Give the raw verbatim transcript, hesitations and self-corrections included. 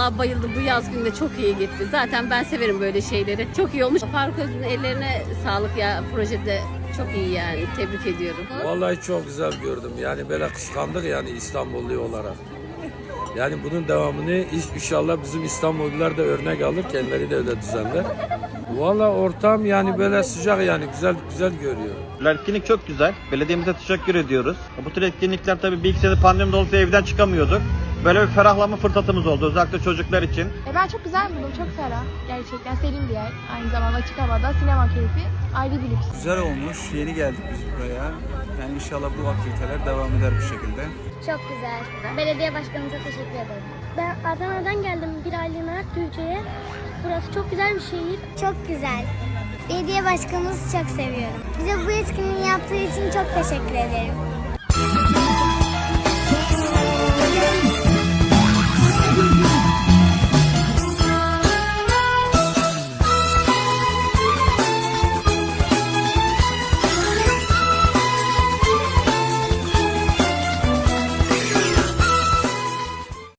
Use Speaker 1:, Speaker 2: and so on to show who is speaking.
Speaker 1: Vallahi bayıldım. Bu yaz günde çok iyi gitti. Zaten ben severim böyle şeyleri. Çok iyi olmuş. Faruk Öz'ün ellerine sağlık ya. Projede çok iyi yani. Tebrik ediyorum.
Speaker 2: Vallahi çok güzel gördüm. Yani böyle kıskandık yani İstanbullu olarak. Yani bunun devamını inşallah bizim İstanbullular da örnek alır. Kendileri de öyle düzenler. Vallahi ortam yani böyle sıcak yani güzel güzel görüyor.
Speaker 3: Etkinlik çok güzel. Belediyemize teşekkür ediyoruz. Bu tür etkinlikler tabii bir iki sene pandemi dolayısıyla evden çıkamıyorduk. Böyle bir ferahlama fırsatımız oldu özellikle çocuklar için.
Speaker 4: E ben çok güzel buldum, çok ferah. Gerçekten serin bir yer. Aynı zamanda açık havada sinema keyfi ayrı bir lüks.
Speaker 5: Güzel olmuş. Yeni geldik biz buraya. Yani inşallah bu aktiviteler devam eder bu şekilde.
Speaker 6: Çok güzel. Belediye başkanımıza teşekkür ederim. Ben Adana'dan geldim bir aylığına Türkiye'ye. Burası çok güzel bir şehir. Çok güzel. Belediye başkanımızı çok seviyorum. Bize bu etkinliği yaptığı için çok teşekkür ederim.